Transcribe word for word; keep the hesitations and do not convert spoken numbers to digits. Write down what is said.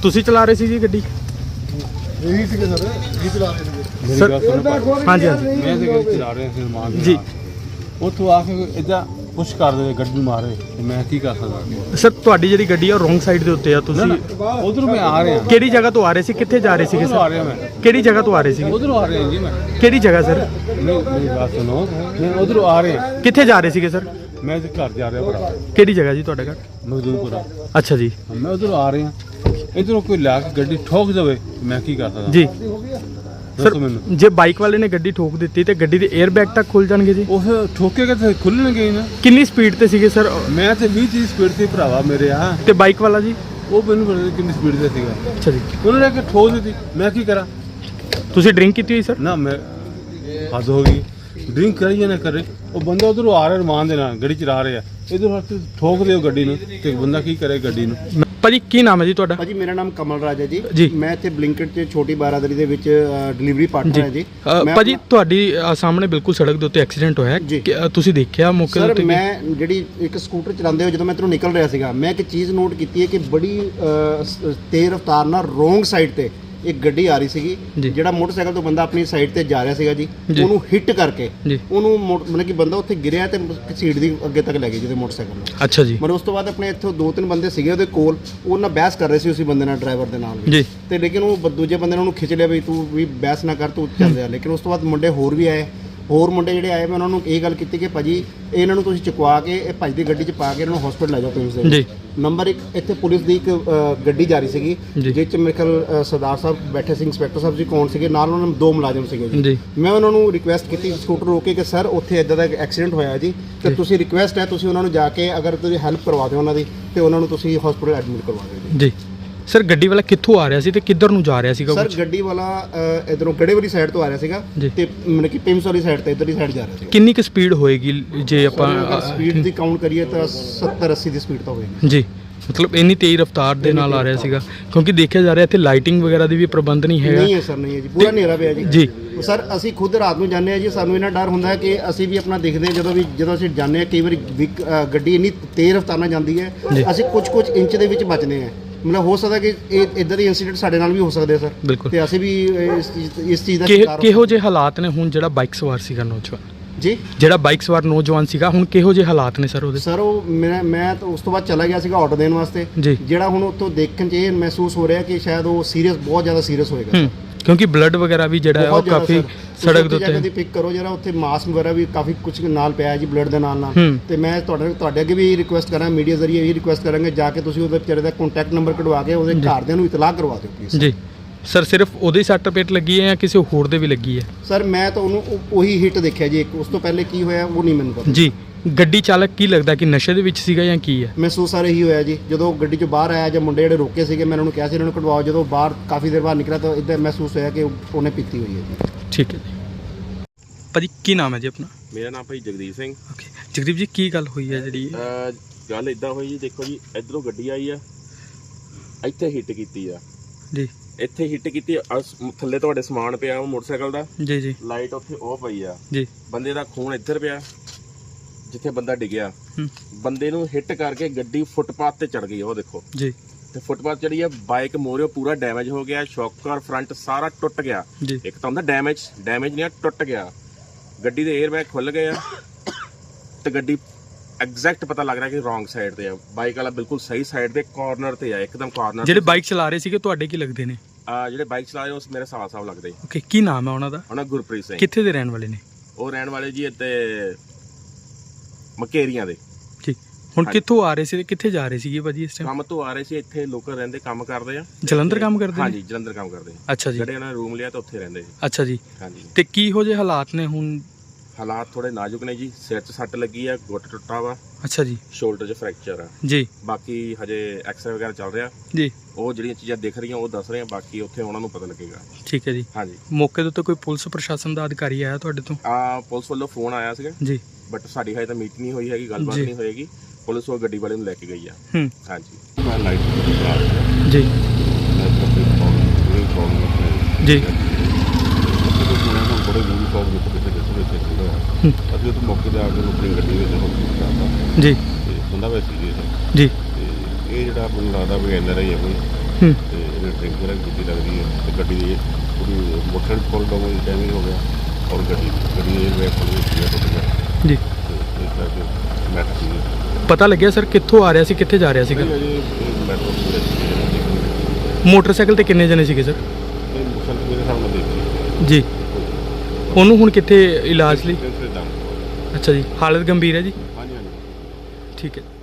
ਤੁਸੀਂ ਚਲਾ ਰਹੇ ਸੀ ਜੀ ਗੱਡੀ? ਇਹੀ ਸੀਗੇ ਸਰ, ਇਹੀ ਚਲਾ ਰਹੇ ਸੀਗੇ ਸਰ। ਹਾਂਜੀ ਹਾਂਜੀ ਮੈਂ ਤੇ ਗੱਡੀ ਚਲਾ ਰਿਹਾ ਸੀ ਮਾਂ ਦੇ ਜੀ। ਉੱਥੋਂ ਆ ਕੇ ਇਦਾਂ ਪੁਸ਼ ਕਰ ਦੇ ਗੱਡੀ ਮਾਰੇ ਤੇ ਮੈਂ ਕੀ ਕਰ ਸਕਦਾ ਸਰ ਤੁਹਾਡੀ ਜਿਹੜੀ ਗੱਡੀ ਆ ਰੋਂਗ ਸਾਈਡ ਦੇ ਉੱਤੇ ਆ, ਤੁਸੀਂ ਉਧਰੋਂ ਮੈਂ ਆ ਰਿਹਾ ਕਿਹੜੀ ਜਗ੍ਹਾ ਤੋਂ ਆ ਰਹੇ ਸੀ, ਕਿੱਥੇ ਜਾ ਰਹੇ ਸੀਗੇ ਉਧਰੋਂ ਆ ਸਰ? ਰਿਹਾ ਮੈਂ ਕਿਹੜੀ ਜਗ੍ਹਾ ਤੋਂ ਆ ਰਹੇ ਸੀਗੇ? ਉਧਰੋਂ ਆ ਰਿਹਾ ਜੀ ਮੈਂ ਕਿਹੜੀ ਜਗ੍ਹਾ ਸਰ? ਨਹੀਂ ਮੇਰੀ ਗੱਲ ਸੁਣੋ ਮੈਂ ਉਧਰੋਂ ਆ ਰਿਹਾ ਕਿੱਥੇ ਜਾ ਰਹੇ ਸੀਗੇ ਸਰ? ਮੈਂ ਤੇ ਘਰ ਜਾ ਰਿਹਾ ਭਰਾ ਕਿਹੜੀ ਜਗ੍ਹਾ ਜੀ ਤੁਹਾਡਾ ਘਰ? ਮਜ਼ਦੂਰਪੁਰਾ। ਅੱਛਾ ਜੀ ਮੈਂ ਉਧਰੋਂ ਆ ਰਿਹਾ ਇਧਰੋਂ ਕੋਈ ਲਾ ਕੇ ਗੱਡੀ ਠੋਕ ਦੇਵੇ ਮੈਂ ਕੀ ਕਰ ਸਕਦਾ ਜੀ। ਸਰ ਦੱਸੋ ਮੈਨੂੰ। ਜੇ ਬਾਈਕ ਵਾਲੇ ਨੇ ਗੱਡੀ ਠੋਕ ਦਿੱਤੀ ਤੇ ਗੱਡੀ ਦੇ 에ਅਰ ਬੈਗ ਤੱਕ ਖੁੱਲ ਜਾਣਗੇ ਜੀ? ਉਹ ਠੋਕੇਗਾ ਤੇ ਖੁੱਲਣਗੇ ਹੀ ਨਾ। ਕਿੰਨੀ ਸਪੀਡ ਤੇ ਸੀਗੇ ਸਰ? ਮੈਂ ਤੇ ਵੀਹ ਤੀਹ ਸਪੀਡ ਤੇ ਭਰਾਵਾ ਮੇਰੇ ਆ ਤੇ ਬਾਈਕ ਵਾਲਾ ਜੀ? ਉਹ ਮੈਨੂੰ ਪਤਾ ਨਹੀਂ ਕਿੰਨੀ ਸਪੀਡ ਤੇ ਸੀਗਾ। ਅੱਛਾ ਜੀ। ਉਹਨਾਂ ਨੇ ਕਿ ਠੋਕ ਦਿੱਤੀ ਮੈਂ ਕੀ ਕਰਾਂ? ਤੁਸੀਂ ਡਰਿੰਕ ਕੀਤੀ ਹੋਈ ਸਰ? ਨਾ ਮੈਂ ਹੱਦ ਹੋ ਗਈ ਡਰਿੰਕ ਕਰੀ ਜਾਂ ਨਾ ਕਰੇ। ਉਹ ਬੰਦਾ ਉਧਰੋਂ ਆ ਰਿਹਾ ਰਮਾਨ ਦੇ ਨਾਲ ਗੱਡੀ ਚਲਾ ਰਿਹਾ ਇਧਰ ਠੋਕ ਦਿਓ ਗੱਡੀ ਨੂੰ ਤੇ ਬੰਦਾ ਕੀ ਕਰੇ ਗੱਡੀ ਨੂੰ। ਭਾਜੀ ਕੀ ਨਾਮ ਹੈ ਜੀ ਤੁਹਾਡਾ? ਭਾਜੀ ਮੇਰਾ ਨਾਮ ਕਮਲ ਰਾਜ ਹੈ ਜੀ। ਜੀ। ਮੈਂ ਇੱਥੇ ਬਲਿੰਕਟ 'ਚ ਛੋਟੀ ਬਾਰਾਦਰੀ ਦੇ ਵਿੱਚ ਡਿਲੀਵਰੀ ਪਾਰਟਨਰ ਹੈ ਜੀ। ਅ, ਮੈਂ ਭਾਜੀ ਆਪਣਾ- ਤੁਹਾਡੀ ਅ, ਸਾਹਮਣੇ ਬਿਲਕੁਲ ਸੜਕ ਦੇ ਉੱਤੇ ਐਕਸੀਡੈਂਟ ਹੋਇਆ ਜੀ। ਕਿ, ਅ, ਤੁਸੀਂ ਦੇਖਿਆ ਮੌਕੇ ਦੇ ਸਰ ਉੱਤੇ? ਮੈਂ ਜਿਹੜੀ ਇੱਕ ਸਕੂਟਰ ਚਲਾਉਂਦੇ ਹੋਏ ਜਦੋਂ ਮੈਂ ਇੱਧਰੋਂ ਨਿਕਲ ਰਿਹਾ ਸੀਗਾ ਮੈਂ ਇੱਕ ਚੀਜ਼ ਨੋਟ ਕੀਤੀ ਹੈ ਕਿ ਬੜੀ ਅ, ਸ- ਤੇਜ਼ ਰਫ਼ਤਾਰ ਨਾਲ ਰੋਂਗ ਸਾਈਡ ਤੇ ਇੱਕ ਗੱਡੀ ਆ ਰਹੀ ਸੀਗੀ। ਜੀ। ਜਿਹੜਾ ਮੋਟਰਸਾਈਕਲ ਤੋਂ ਬੰਦਾ ਆਪਣੀ ਸਾਈਡ ਤੇ ਜਾ ਰਿਹਾ ਸੀਗਾ ਜੀ, ਜੀ। ਉਹਨੂੰ ਹਿੱਟ ਕਰਕੇ ਜੀ। ਉਹਨੂੰ ਮੋ- ਮਤਲਬ ਕਿ ਬੰਦਾ ਉੱਥੇ ਗਿਰਿਆ ਤੇ ਸੀਟ ਦੀ ਅੱਗੇ ਤੱਕ ਲੈ ਗਈ ਜਿਹਦੇ ਮੋਟਰਸਾਈਕਲ ਨੂੰ। ਅੱਛਾ ਜੀ ਮਤਲਬ ਉਸ ਤੋਂ ਬਾਅਦ ਆਪਣੇ ਇੱਥੋਂ ਦੋ ਤਿੰਨ ਬੰਦੇ ਸੀਗੇ ਉਹਦੇ ਕੋਲ, ਉਹ ਨਾਲ ਬਹਿਸ ਕਰ ਰਹੇ ਸੀ ਉਸੇ ਬੰਦੇ ਨਾਲ, ਡਰਾਈਵਰ ਦੇ ਨਾਲ ਵੀ। ਜੀ। ਤੇ ਲੇਕਿਨ ਉਹ ਬ- ਦੂਜੇ ਬੰਦੇ ਨੇ ਉਹਨੂੰ ਖਿੱਚ ਲਿਆ ਵੀ ਤੂੰ ਵੀ ਬਹਿਸ ਨਾ ਕਰ, ਤੂੰ ਚੱਲ ਰਿਹਾ। ਲੇਕਿਨ ਉਸ ਤੋਂ ਬਾਅਦ ਮੁੰਡੇ ਹੋਰ ਵੀ ਆਏ, ਹੋਰ ਮੁੰਡੇ ਜਿਹੜੇ ਆਏ ਮੈਂ ਉਹਨਾਂ ਨੂੰ ਇਹ ਗੱਲ ਕੀਤੀ ਕਿ ਭਾਜੀ ਇਹਨਾਂ ਨੂੰ ਤੁਸੀਂ ਚੁਕਵਾ ਕੇ ਇਹ ਭਾਜੀ ਦੀ ਗੱਡੀ 'ਚ ਪਾ ਕੇ ਇਹਨਾਂ ਨੂੰ ਹਸਪੀਟਲ ਲੈ ਜਾਓ ਤੁਸੀਂ। ਜੀ। ਨੰਬਰ ਇੱਕ ਇੱਥੇ ਪੁਲਿਸ ਦੀ ਇੱਕ ਅ, ਗੱਡੀ ਜਾ ਰਹੀ ਸੀਗੀ ਜੀ। ਜਿਸ 'ਚ ਮੇਰੇ ਖਿਆਲ ਅ, ਸਰਦਾਰ ਸਾਹਿਬ ਬੈਠੇ ਸੀ, ਇੰਸਪੈਕਟਰ ਸਾਹਿਬ ਜੀ ਕੌਣ ਸੀਗੇ ਨਾਲ, ਉਹਨਾਂ ਨੂੰ ਦੋ ਮੁਲਾਜ਼ਮ ਸੀਗੇ ਜੀ। ਜੀ। ਮੈਂ ਉਹਨਾਂ ਨੂੰ ਰਿਕੁਐਸਟ ਕੀਤੀ ਸਕੂਟਰ ਰੋਕ ਕੇ ਕਿ ਸਰ ਉੱਥੇ ਇਦਾਂ ਦਾ ਐਕਸੀਡੈਂਟ ਹੋਇਆ ਜੀ ਤੇ ਤੁਸੀਂ ਰਿਕੁਐਸਟ ਹੈ ਤੁਸੀਂ ਉਹਨਾਂ ਨੂੰ ਜਾ ਕੇ ਅਗਰ ਤੁਸੀਂ ਹੈਲਪ ਕਰਵਾ ਦਿਓ ਉਹਨਾਂ ਦੀ ਤੇ ਉਹਨਾਂ ਨੂੰ ਤੁਸੀਂ ਹਸਪੀਟਲ ਐਡਮਿਟ ਕਰਵਾ ਦਿਓ ਜੀ। ਜੀ। ਸਰ ਗੱਡੀ ਵਾਲਾ ਕਿੱਥੋਂ ਆ ਰਿਹਾ ਸੀ ਤੇ ਕਿੱਧਰ ਨੂੰ ਜਾ ਰਿਹਾ ਸੀਗਾ? ਸਰ ਕੁਛ ਗੱਡੀ ਵਾਲਾ ਇਧਰੋਂ ਗੜੇ ਵਾਲੀ ਸਾਈਡ ਤੋਂ ਆ ਰਿਹਾ ਸੀਗਾ ਜੀ। ਤੇ ਮਤਲਬ ਕਿ ਪਿੰਸ ਵਾਲੀ ਸਾਈਡ ਤੇ ਇਧਰਲੀ ਸਾਈਡ ਜਾ ਰਿਹਾ ਸੀਗਾ। ਕਿੰਨੀ ਕੁ ਸਪੀਡ ਹੋਏਗੀ ਜੇ ਆਪਾਂ? ਸਪੀਡ ਦੀ ਕਾਊਂਟ ਕਰੀਏ ਤਾਂ ਸੱਤਰ ਅੱਸੀ ਦੀ ਸਪੀਡ ਤਾਂ ਹੋਏਗੀ ਜੀ। ਮਤਲਬ ਇੰਨੀ ਤੇਜ਼ ਰਫ਼ਤਾਰ ਦੇ ਨਾਲ ਆ ਰਿਹਾ ਸੀਗਾ ਕਿਉਂਕਿ ਦੇਖਿਆ ਜਾ ਰਿਹਾ ਇੱਥੇ ਲਾਈਟਿੰਗ ਵਗੈਰਾ ਦੀ ਵੀ ਪ੍ਰਬੰਧ ਨਹੀਂ ਹੈਗਾ। ਨਹੀਂ ਹੈ ਸਰ, ਨਹੀਂ ਹੈ ਜੀ, ਪੂਰਾ ਹਨੇਰਾ ਪਿਆ ਜੀ। ਜੀ। ਸਰ ਅਸੀਂ ਖੁਦ ਰਾਤ ਨੂੰ ਜਾਂਦੇ ਆ ਜੀ, ਸਾਨੂੰ ਇਹਨਾਂ ਡਰ ਹੁੰਦਾ ਹੈ ਕਿ ਅਸੀਂ ਵੀ ਆਪਣਾ ਦੇਖਦੇ ਹਾਂ ਜਦੋਂ ਵੀ ਜਦੋਂ ਅਸੀਂ ਜਾਂਦੇ ਆ ਕਈ ਵਾਰੀ ਵਿਕ- ਅ, ਗੱਡੀ ਇੰਨੀ ਤੇਜ਼ ਰਫ਼ਤਾਰ ਨਾਲ ਜਾਂਦੀ ਹੈ ਜੀ। ਅਸੀਂ ਕੁਝ ਕੁਝ ਇੰਚ ਦੇ ਵਿੱਚ ਬਚਦੇ ਹਾਂ। ਮਤਲਬ ਹੋ ਸਕਦਾ ਕਿ ਇਹ ਇਦਾਂ ਦੇ ਇਨਸੀਡੈਂਟ ਸਾਡੇ ਨਾਲ ਵੀ ਹੋ ਸਕਦੇ ਆ ਸਰ। ਬਿਲਕੁਲ। ਤੇ ਅਸੀਂ ਵੀ ਇਸ ਚੀਜ਼ ਇਸ ਚੀਜ਼ ਦਾ ਕਿ- ਸ਼ਿਕਾਰ ਹੋ ਕਿਹੋ ਜਿਹੇ ਹਾਲਾਤ ਨੇ ਹੁਣ ਜਿਹੜਾ ਬਾਈਕ ਸਵਾਰ ਸੀਗਾ ਨੌਜਵਾਨ? ਜੀ। ਜਿਹੜਾ ਬਾਈਕ ਸਵਾਰ ਨੌਜਵਾਨ ਸੀਗਾ ਹੁਣ ਕਿਹੋ ਜਿਹੇ ਹਾਲਾਤ ਨੇ ਸਰ ਉਹਦੇ? ਸਰ ਉਹ ਮੈਂ ਮੈਂ ਤਾਂ ਉਸ ਤੋਂ ਬਾਅਦ ਚਲਾ ਗਿਆ ਸੀਗਾ ਆਰਡਰ ਦੇਣ ਵਾਸਤੇ। ਜੀ। ਜਿਹੜਾ ਹੁਣ ਉੱਥੋਂ ਦੇਖਣ 'ਚ ਇਹ ਮਹਿਸੂਸ ਹੋ ਰਿਹਾ ਕਿ ਸ਼ਾਇਦ ਉਹ ਸੀਰੀਅਸ ਬਹੁਤ ਜ਼ਿਆਦਾ ਸੀਰੀਅਸ ਹੋਏਗਾ। ਹੂੰ ਕਿਉਂਕਿ ਬਲੱਡ ਵਗੈਰਾ ਵੀ ਜਿਹੜਾ ਹੈ ਉਹ ਬਹੁਤ ਜ਼ਿਆਦਾ ਕਾਫੀ ਸਰ। ਸੜਕ ਦੇ ਤੁਸੀਂ ਉੱਥੇ ਜਾ ਕੇ ਉੱਤੇ। ਪਿਕ ਕਰੋ ਜਰਾ, ਉੱਥੇ ਮਾਸਕ ਵਗੈਰਾ ਵੀ ਕਾਫੀ ਕੁਝ ਨਾਲ ਪਿਆ ਹੈ ਜੀ ਬਲੱਡ ਦੇ ਨਾਲ ਨਾਲ। ਹੂੰ। ਤੇ ਮੈਂ ਤੁਹਾਡੇ ਤੁਹਾਡੇ ਅੱਗੇ ਵੀ ਰਿਕੁਐਸਟ ਕਰਾਂ, ਮੀਡੀਆ ਜ਼ਰੀਏ ਇਹ ਰਿਕੁਐਸਟ ਕਰਾਂਗੇ ਜਾ ਕੇ ਤੁਸੀਂ ਉਹਦੇ ਵਿਚਾਰੇ ਦਾ ਕੰਟੈਕਟ ਨੰਬਰ ਕਢਵਾ ਕੇ ਉਹਦੇ ਘਰਦਿਆਂ ਨੂੰ ਇਤਲਾਹ ਕਰਵਾ ਦਿਓ ਪਲੀਜ਼। ਜੀ। ਸਰ ਸਿਰਫ ਉਹਦੇ ਸੱਟ ਪੇਟ ਲੱਗੀ ਹੈ ਜਾਂ ਕਿਸੇ ਹੋਰ ਦੇ ਵੀ ਲੱਗੀ ਹੈ? ਸਰ ਮੈਂ ਤਾਂ ਉਹਨੂੰ ਉਹ- ਉਹੀ ਹਿੱਟ ਦੇਖਿਆ ਜੀ, ਇੱਕ ਉਸ ਤੋਂ ਪਹਿਲੇ ਕੀ ਹੋਇਆ ਉਹ ਨਹੀਂ ਮੈਨੂੰ ਪਤਾ ਜੀ। ਗੱਡੀ ਚਾਲਕ ਕੀ ਲੱਗਦਾ ਕਿ ਨਸ਼ੇ ਦੇ ਵਿੱਚ ਸੀਗਾ ਜਾਂ ਕੀ ਹੈ? ਮਹਿਸੂਸ ਆ ਰਹੀ ਹੋਇਆ ਜੀ। ਜਦੋਂ ਗੱਡੀ 'ਚੋਂ ਬਾਹਰ ਆਇਆ ਜਾਂ ਮੁੰਡੇ ਜਿਹੜੇ ਰੋਕੇ ਸੀਗੇ ਮੈਂ ਉਹਨਾਂ ਨੂੰ ਕਿਹਾ ਸੀ ਇਹਨਾਂ ਨੂੰ ਕਢਵਾਓ, ਜਦੋਂ ਬਾਹਰ ਕਾਫੀ ਦੇਰ ਬਾਅਦ ਨਿਕਲਿਆ ਤਾਂ ਇੱਦਾਂ ਮਹਿਸੂਸ ਹੋਇਆ ਕਿ ਉਹਨੇ ਪੀਤੀ ਹੋਈ ਹੈ ਜੀ। ਠੀਕ ਹੈ ਜੀ। ਭਾਜੀ ਕੀ ਨਾਮ ਹੈ ਜੀ ਆਪਣਾ? ਮੇਰਾ ਨਾਮ ਭਾਈ ਜਗਦੀਪ ਸਿੰਘ। ਓਕੇ ਜਗਦੀਪ ਜੀ ਕੀ ਗੱਲ ਹੋਈ ਹੈ ਜਿਹੜੀ? ਅਹ ਗੱਲ ਇਦਾਂ ਹੋਈ ਜੀ, ਦੇਖੋ ਜੀ ਇਧਰੋਂ ਗੱਡੀ ਆਈ ਆ, ਇੱਥੇ ਹਿੱਟ ਕੀਤੀ ਆ, ਜੀ। ਇੱਥੇ ਹਿੱਟ ਕੀਤੀ ਆ, ਸ- ਥੱਲੇ ਤੁਹਾਡੇ ਸਮਾਨ ਪਿਆ ਉਹ ਮੋਟਰਸਾਈਕਲ ਦਾ, ਜੀ ਜੀ ਲਾਈਟ ਉੱਥੇ ਉਹ ਪਈ ਆ, ਜੀ। ਬੰਦੇ ਦਾ ਖੂਨ ਇੱਧਰ ਪਿਆ ਜਿੱਥੇ ਬੰਦਾ ਡਿੱਗਿਆ। ਹੂੰ। ਬੰਦੇ ਨੂੰ ਹਿੱਟ ਕਰਕੇ ਗੱਡੀ ਫੁੱਟਪਾਥ ਤੇ ਚੜ ਗਈ, ਉਹ ਦੇਖੋ ਜੀ ਤੇ ਫੁੱਟਪਾਥ ਚੜੀ ਆ, ਬਾਈਕ ਮੋਰਿਓ ਪੂਰਾ ਡੈਮੇਜ ਹੋ ਗਿਆ, ਸ਼ੌਕਰ ਫਰੰਟ ਸਾਰਾ ਟੁੱਟ ਗਿਆ। ਜੀ ਇੱਕ ਤਾਂ ਹੁੰਦਾ ਡੈਮੇਜ, ਡੈਮੇਜ ਨਹੀਂ ਆ, ਟੁੱਟ ਗਿਆ। ਗੱਡੀ ਦੇ 에ਅਰ ਬੈਗ ਖੁੱਲ ਗਏ ਆ ਤੇ ਗੱਡੀ ਐਗਜ਼ੈਕਟ ਪਤਾ ਲੱਗ ਰਿਹਾ ਕਿ ਰੋਂਗ ਸਾਈਡ ਤੇ ਆ, ਬਾਈਕ ਵਾਲਾ ਬਿਲਕੁਲ ਸਹੀ ਸਾਈਡ ਤੇ ਕਾਰਨਰ ਤੇ ਆ, ਇੱਕਦਮ ਕਾਰਨਰ। ਜਿਹੜੇ ਬਾਈਕ ਚਲਾ ਰਹੇ ਸੀਗੇ ਤੁਹਾਡੇ ਕੀ ਲੱਗਦੇ ਨੇ? ਆ ਜਿਹੜੇ ਬਾਈਕ ਚਲਾ ਰਹੇ ਉਸ ਮੇਰੇ ਸਾਹ ਸਾਹ ਲੱਗਦੇ। ਓਕੇ ਕੀ ਨਾਮ ਹੈ ਉਹਨਾਂ ਦਾ? ਉਹਨਾਂ ਗੁਰਪ੍ਰੀਤ ਸਿੰਘ। ਕਿੱਥੇ ਦੇ ਰਹਿਣ ਵਾਲੇ ਨੇ? ਉਹ ਰਹਿਣ ਵਾਲੇ ਜੀ ਇੱਥੇ ਮਕੇਰੀਆਂ ਦੇ। ਠੀਕ। ਹੁਣ ਕਿੱਥੋਂ ਆ ਰਹੇ ਸੀ ਤੇ ਕਿੱਥੇ ਜਾ ਰਹੇ ਸੀਗੇ ਭਾਜੀ ਇਸ ਟਾਈਮ? ਕੰਮ ਤੋਂ ਆ ਰਹੇ ਸੀ, ਇੱਥੇ ਲੋਕਲ ਰਹਿੰਦੇ ਕੰਮ ਕਰਦੇ ਆ। ਜਲੰਧਰ ਕੰਮ ਕਰਦੇ ਨੇ? ਹਾਂਜੀ ਜਲੰਧਰ ਕੰਮ ਕਰਦੇ ਆ। ਅੱਛਾ ਜੀ। ਜਿਹੜੇ ਉਹਨਾਂ ਨੇ ਰੂਮ ਲਿਆ ਤਾਂ ਉੱਥੇ ਰਹਿੰਦੇ ਜੀ। ਅੱਛਾ ਜੀ। ਹਾਂਜੀ। ਤੇ ਕੀ ਹੋ ਜੇ ਹਾਲਾਤ ਨੇ ਹੁਣ? ਹਾਲਾਤ ਥੋੜੇ ਨਾਜ਼ੁਕ ਨੇ ਜੀ, ਸਿਰ 'ਚ ਸੱਟ ਲੱਗੀ ਆ, ਗੁੱਟ ਟੁੱਟਾ ਵਾ, ਅੱਛਾ ਜੀ। ਸ਼ੋਲਡਰ 'ਚ ਫ੍ਰੈਕਚਰ ਆ। ਜੀ ਬਾਕੀ ਹਜੇ ਐਕਸਰੇ ਵਗੈਰਾ ਚੱਲ ਰਿਹਾ, ਜੀ। ਉਹ ਜਿਹੜੀਆਂ ਚੀਜ਼ਾਂ ਦਿਖ ਰਹੀਆਂ ਉਹ ਦੱਸ ਰਹੇ ਆ, ਬਾਕੀ ਉੱਥੇ ਉਹਨਾਂ ਨੂੰ ਪਤਾ ਲੱਗੇਗਾ। ਠੀਕ ਹੈ ਜੀ। ਹਾਂਜੀ। ਮੌਕੇ ਦੇ ਉੱਤੇ ਕੋਈ ਪੁਲਿਸ ਪ੍ਰਸ਼ਾਸਨ ਦਾ ਅਧਿਕਾਰੀ ਆਇਆ ਤੁਹਾਡੇ ਤੋਂ? ਆ ਪੁਲਿਸ ਵੱਲੋਂ ਫੋਨ ਆਇਆ ਸੀਗਾ ਜੀ। ਬਟ ਸਾਡੀ ਹਜੇ ਤਾਂ ਮੀਟ ਨਹੀਂ ਹੋਈ ਹੈਗੀ, ਗੱਲਬਾਤ ਜੀ। ਨਹੀਂ ਹੋਏਗੀ। ਪੁਲਿਸ ਉਹ ਗੱਡੀ ਵਾਲੇ ਨੂੰ ਲੈ ਕੇ ਗਈ ਆ। ਹੂੰ। ਹਾਂਜੀ। ਮੈਂ ਲਾਈਟ ਖਰਾਬ ਜੀ ਮੈਂ ਕੱਪੜੇ ਪਾਉਣ ਇਹ ਪ੍ਰੋਬਲਮ ਜੀ। ਸੁਣਿਆ ਨਾ ਬੜੇ ਮੂਵੀ ਸੌਂਗ ਵਿੱਚ ਕਿਤੇ ਕਿਤੇ ਵਿੱਚ ਹੂੰ। ਅਸੀਂ ਉਹ ਮੌਕੇ ਤੇ ਆ ਕੇ ਆਪਣੀ ਗੱਡੀ ਵਿੱਚ ਹਸਪਤਾਲ ਕਰਤਾ ਜੀ ਤੇ ਹੁੰਦਾ ਵੈ ਸੀਰੀਅਸ ਜੀ। ਤੇ ਇਹ ਜਿਹੜਾ ਮੈਨੂੰ ਲੱਗਦਾ ਵੀ ਐਨ ਆਰ ਆਈ ਹੈ ਕੋਈ ਹੂੰ। ਤੇ ਇਹਨੇ ਡਰਿੰਕ ਵਗੈਰਾ ਕੀਤੀ ਲੱਗਦੀ ਹੈ ਤੇ ਗੱਡੀ ਦੀ ਪੂਰੀ ਮੋਟਰ ਫੁੱਲ ਡੈਮੇਜ ਹੋ ਗਿਆ ਔਰ ਗੱਡੀ ਗੱਡੀ ਦੇ ਏਅਰ ਬੈਗ ਖੁੱਲ੍ਹ ਗਏ ਟੁੱਟ ਗਿਆ ਜੀ ਤੇ ਇਸ ਕਰਕੇ ਮੈਟਰ ਸੀ ਪਤਾ ਲੱਗਿਆ ਸਰ ਕਿੱਥੋਂ ਆ ਰਿਹਾ ਸੀ ਕਿੱਥੇ ਜਾ ਰਿਹਾ ਸੀਗਾ ਅਜੇ ਮੈਟਰ ਮੋਟਰਸਾਈਕਲ ਤੇ ਕਿੰਨੇ ਜਣੇ ਸੀਗੇ ਸਰ ਇਹ ਮੁਸਲ ਮੇਰੇ ਸਾਹਮਣੇ ਦੇਖੀ ਜੀ ਉਹਨੂੰ ਹੁਣ ਕਿੱਥੇ ਇਲਾਜ ਲਈ ਦਾਮ ਅੱਛਾ ਜੀ ਹਾਲਤ ਗੰਭੀਰ ਹੈ ਜੀ ਹਾਂਜੀ ਹਾਂਜੀ ਠੀਕ ਹੈ